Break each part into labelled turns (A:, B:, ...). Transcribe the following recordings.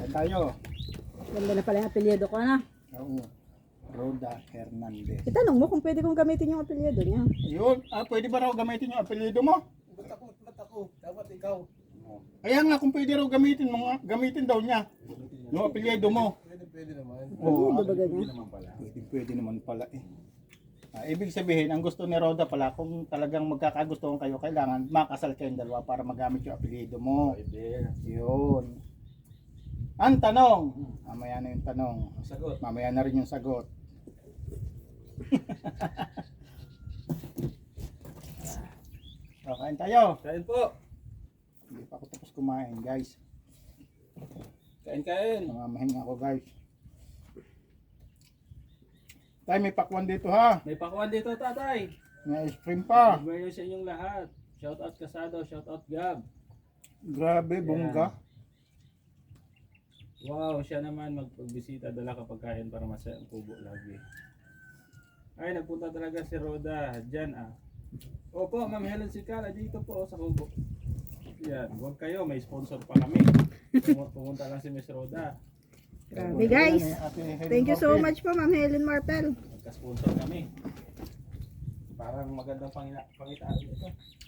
A: Kain tayo.
B: Ganda na pala yung apelyido ko na.
A: Oo. Roda Hernandez.
B: Itanong mo kung pwede kong gamitin yung apelyido niya.
A: Yun. Pwede ba raw gamitin yung apelyido mo?
C: Ba't ako? Dapat ikaw.
A: Kaya nga kung pwede raw gamitin mo, gamitin daw niya. Yung apelyido mo.
C: Pwede naman.
A: Oo.
B: Ano ba ganyan?
A: Pwede naman pala eh. Ibig sabihin, ang gusto ni Roda pala, kung talagang magkakagustuhan kayo, kailangan makasal kayong dalawa para magamit yung apelyido mo. Yun. Ang tanong, mamaya na yung tanong.
C: Sagot.
A: Mamaya na rin yung sagot. So, kain tayo.
C: Kain po.
A: Hindi pa ako tapos kumain, guys.
C: Kain.
A: Namamahinga ako, guys. Tay, may pakwan dito ha.
C: May pakuan dito, tatay.
A: May ice cream pa.
C: Good morning sa inyong lahat. Shout out Kasado, shout out Gab.
A: Grabe, bongga.
C: Wow, siya naman magpagbisita, dala ka pagkain para masaya ang kubo lagi. Ay, nagpunta talaga si Roda. Diyan ah. Opo, Ma'am Helen Sikala, dito po sa kubo. Yan, huwag kayo, may sponsor pa kami. Pumunta lang si Miss Roda.
B: Grabe guys. Thank you so much po Ma'am Helen Marpel.
C: Nagka-sponsor kami. Parang magandang pangitaan ito.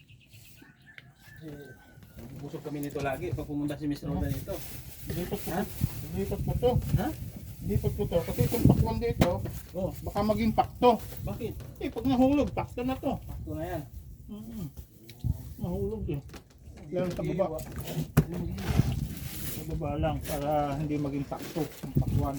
C: Busog kami nito lagi pag pumunta si Miss Roda dito.
A: Lipat ko to.
C: Ha?
A: Lipat ko to. Kasi itong pakwan dito,
C: Oh,
A: baka maging pakto.
C: bakit?
A: Pag nahulog, pakto na to.
C: Pakto na yan.
A: Nahulog eh. Lalo sa baba. Sa baba lang para hindi maging pakto ang pakwan.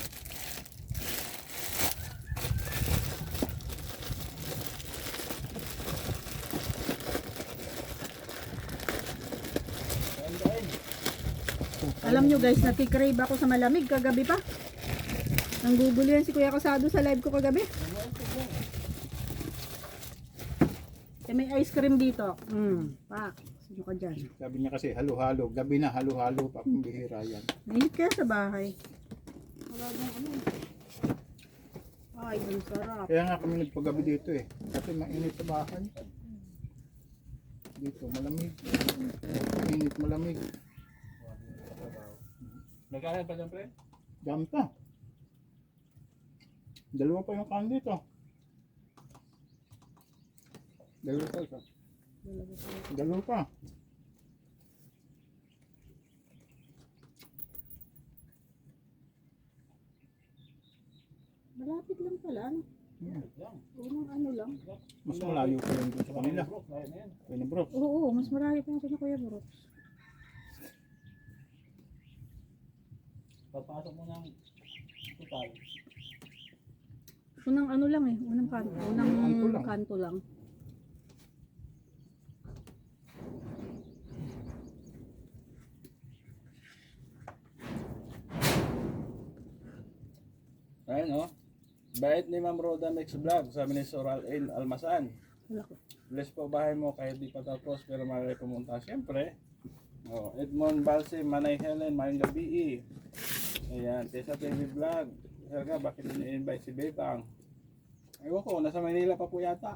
C: Kain.
B: Alam nyo guys, nakikrave ako sa malamig kagabi pa. Nanggugulo yan si Kuya Kasado sa live ko kagabi. Eh, may ice cream dito. Pak. Sino ka dyan?
A: Sabi niya kasi halo-halo. Gabi na halo-halo pa kung bihira yan.
B: Mainit kaya sa bahay. Wala bang ano. Ay, ang sarap.
A: Kaya nga kami nagpagabi dito eh. Kasi mainit sa bahay. Dito malamig. Mainit malamig.
C: Nagkain pa dyan, pre?
A: Dami pa. Dalawa pa yung kan dito. Dalawa pa isa. Dalawa pa.
B: Malapit lang pala. Ano?
A: Yeah.
B: Unang ano lang.
A: Mas malayo pa yung doon sa kanila. Kaya bro.
B: Oo, mas malayo pa yung kanya Kuya Brooks.
C: Papasok mo ng total.
B: Unang ano lang eh. Unang kanto. Unang kanto lang.
C: Ayun oh. Bait ni Ma'am Roda Mix Vlog, sabi ni Soral El Almasan.
B: Wala ko.
C: Bless po bahay mo kahit di pa tapos pero marami pumunta. Siyempre. Oh, Edmond Balse, Manay Helen, Mayang Gabi. Ayan, Tessa TV Vlog. Helga, bakit ini-invite si Bebang? Ewan ko, nasa Manila pa po yata.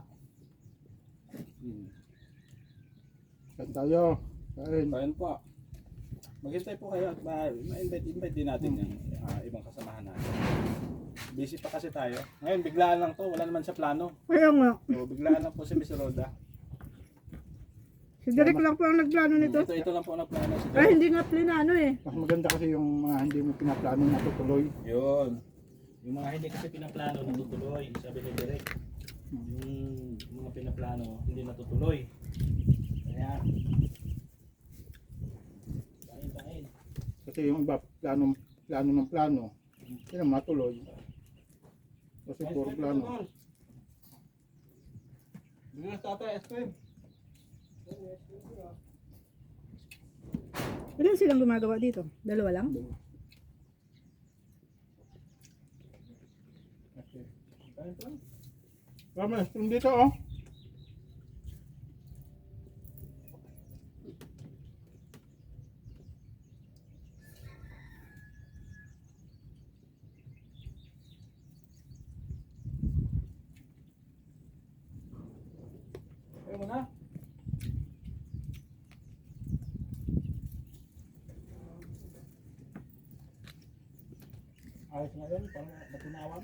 A: Kain tayo. Kain.
C: Ayun po. Maghintay po kayo at ma-invite din natin yung ibang kasamahan natin. Busy pa kasi tayo. Ngayon, biglaan lang to. Wala naman sa plano.
B: Kaya nga.
C: So, biglaan lang po si Miss Roda.
B: Si Derek lang po ang nagplano nito.
C: Ito lang po ang plano. Si
B: Ay, hindi nga plinano eh.
A: Mas maganda kasi yung mga hindi mo pinaplano na tutuloy.
C: Yun. Yung mga hindi kasi pinaplano natutuloy, sabi ni Derek. Yung mga pinaplano hindi natutuloy. Kaya kain.
A: Kasi yung iba plano ng plano. Yun ang matuloy. Kasi puro plano.
C: Bigyan sa tatay, ice cream.
B: Ilan silang gumagawa dito? Dalawa lang?
C: Kain po.
A: Tama, ice cream dito oh.
C: Kain mo na.
A: Ayos nga yun, parang natunawan.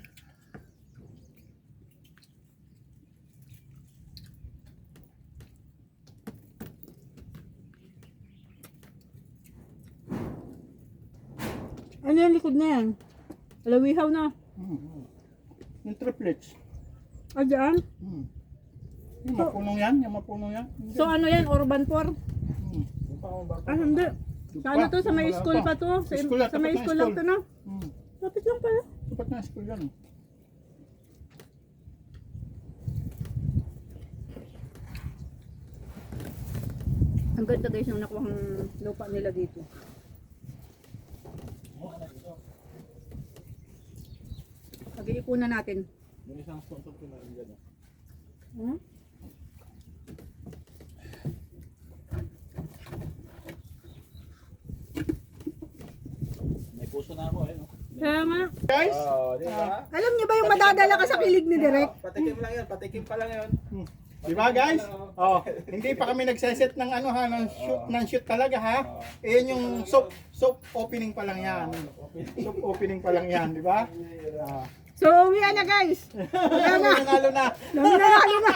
B: Ano yung likod na yan? Alawihaw na.
A: Yung triplets.
B: Ah, dyan?
A: Yung mapunong yan, yung mapunong yan.
B: So ano yan? Urban 4? Ah, hindi.
A: Doon
B: Sa ano to? Sa may
A: wala
B: school pa to? Sa,
A: School na,
B: sa may
A: tapat ng
B: school lang
A: school.
B: to, no?
A: Hmm.
B: Lapit lang pala.
A: Dapat na school yan.
B: Ang ganda guys yung nakuha ng lupa nila dito. Pag-iipunan natin.
C: Yung isang sponsor ko na rin dyan.
B: Hmm?
C: May puso na ako eh. No?
B: Kaya nga.
A: Guys,
C: Di ba?
B: Alam niyo ba yung madadala ka sa kilig ni Direk?
C: Patikim lang yan, patikim pa lang yun.
A: di ba guys? Oh, hindi pa kami nagseset ng ano ha, ng shoot talaga ha. Iyan yung soap opening pa lang yan. Soap opening pa lang yan, di ba? Ah.
B: So, uwi na guys.
A: Nanalo na.
B: Nanalo na.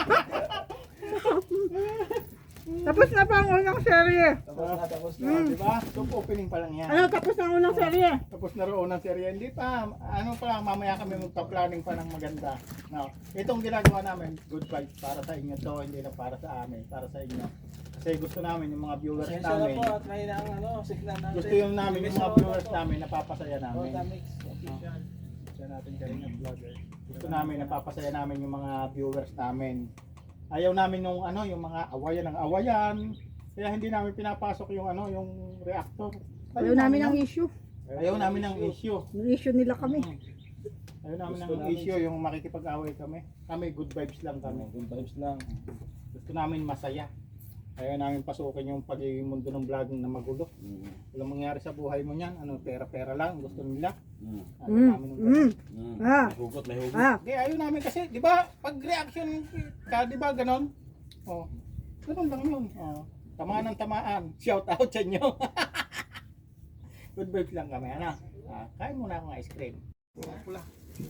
B: Tapos na pa ang unang serye.
C: Tapos na.
A: Di ba? Soap opening pa lang yan.
B: Ano, tapos na ang unang serye.
A: Tapos na roon ang serye. Hindi pa, ano pa lang, mamaya kami magpa-planning pa ng maganda. No. Itong ginagawa namin, good vibes para sa inyo to, hindi na para sa amin, para sa inyo. Kasi gusto namin yung mga viewers
C: Pasensya na
A: namin.
C: po at may na ang ano, signal natin.
A: Gusto yung namin, yung mga viewers namin, napapasaya namin.
C: Rotamix official.
A: Siya natin galing ng vlogger. Gusto namin, napapasaya namin yung mga viewers namin. Ayaw namin yung ano, yung mga awayan ng awayan. Kaya hindi namin pinapasok yung ano, yung reactor.
B: Ayaw namin ang issue.
A: Ayaw namin ng issue.
B: Yung issue nila kami.
A: Ayaw namin
C: Gusto
A: ng
C: namin-
A: issue, yung makikipag-away kami. Kami, good vibes lang kami.
C: Good vibes lang.
A: Gusto namin masaya. Ayaw namin pasukin yung pagiging mundo ng vlogging na magulo. Walang mangyari sa buhay mo niyan. Ano, pera-pera lang. Gusto nila. Ayaw namin ng ganun.
B: Ah.
C: May hugot, may hugot.
B: Ah.
A: Hindi, ayaw namin kasi, di ba, pag reaction ka, di ba, ganon? Oh, ganon lang yun. Oh, tamaan ng tamaan. Shout out sa inyo. Good vibes lang kami, ano? Kain muna akong ice cream. Pula.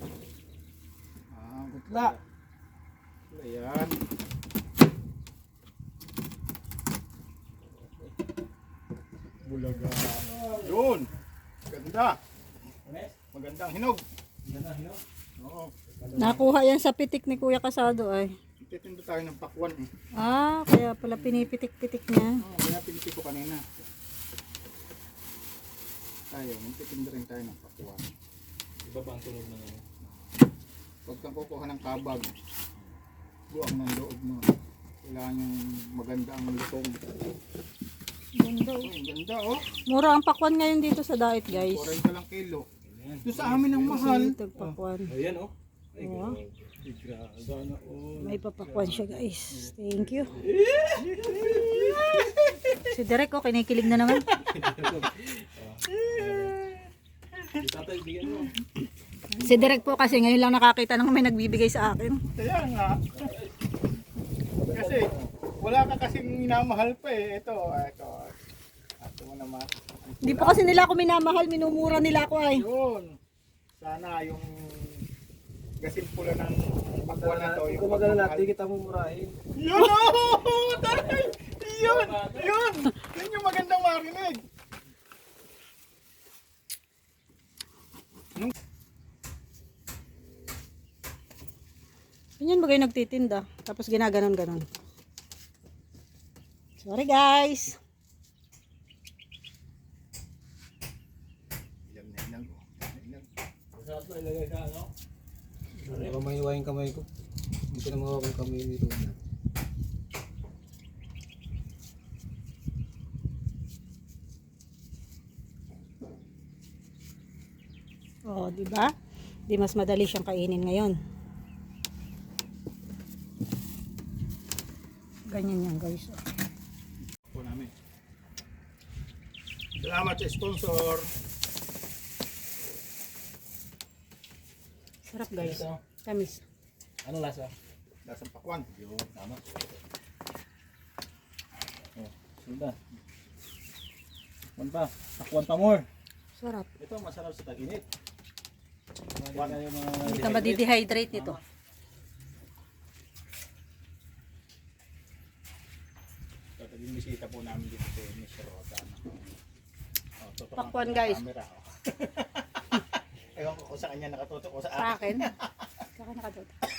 A: Gutla. Ayan. Bulaga. Yun. Ganda. Magandang hinog. Oo.
B: Nakuha yan sa pitik ni Kuya Kasado ay.
A: Titindo tayo ng pakwan eh.
B: Ah, kaya pala pinipitik-pitik niya.
A: Oo, kaya piniti ko kanina. Tayo, magtitindo rin tayo ng pakwan.
C: Iba pa ang tunog ng ano.
A: Huwag kang kukuha ng kabag. Buang ng loob mo. Kailangan yung maganda ang lutong.
B: Ganda
A: Oh, ang ganda oh.
B: Mura ang pakwan ngayon dito sa diet guys.
A: 40 lang kilo. Doon sa amin ang mahal.
B: Ito pakwan.
C: Ayan oh. Ay,
B: Oo.
C: grabe na oh.
B: May papakwan siya guys. Thank you. Si Derek oh, kinikilig na naman.
C: Tatay, bigyan mo.
B: Si Derek po kasi ngayon lang nakakita ng may nagbibigay sa akin.
A: Kaya nga. Kasi wala ka kasing minamahal pa eh. Ito. Ito mo naman.
B: Hindi po kasi nila ako minamahal, minumura nila ako ay.
A: Yun. Sana yung gasimpula ng pakwan na to. Yung
C: Kung magana
A: pagmamahal.
C: natin, kita mo murahin.
A: Yun! Oh! Taray! Yun! Yun! Yun yung magandang marinig.
B: Ganyan ba kayo nagtitinda? Tapos ginaganon-ganon. Sorry guys.
A: Ilang na ilang. Ilang.
C: Masarap na ilagay ka, ano?
D: Baka mahiwa yung kamay ko. Hindi ko na mawawag yung kamay nito.
B: Oh, di ba? Di mas madali siyang kainin ngayon. Ganyan yan guys.
A: Po namin. Salamat sa sponsor.
B: Sarap guys. Tamis.
C: Ano lasa?
A: Lasang pakwan.
C: Yun, tama. Oh, sundan. Takwan pa. Takwan pa more.
B: Sarap.
C: Ito masarap sa tag-init.
B: Hindi ka madidehydrate nito.
A: So, yung bisita po namin dito si Miss Roda. Oh, tutok ang
B: Pakwan, guys.
A: camera, oh. Ewan ko kung sa kanya nakatutok o sa
B: Sa
A: akin.
B: akin. Sa akin nakadot.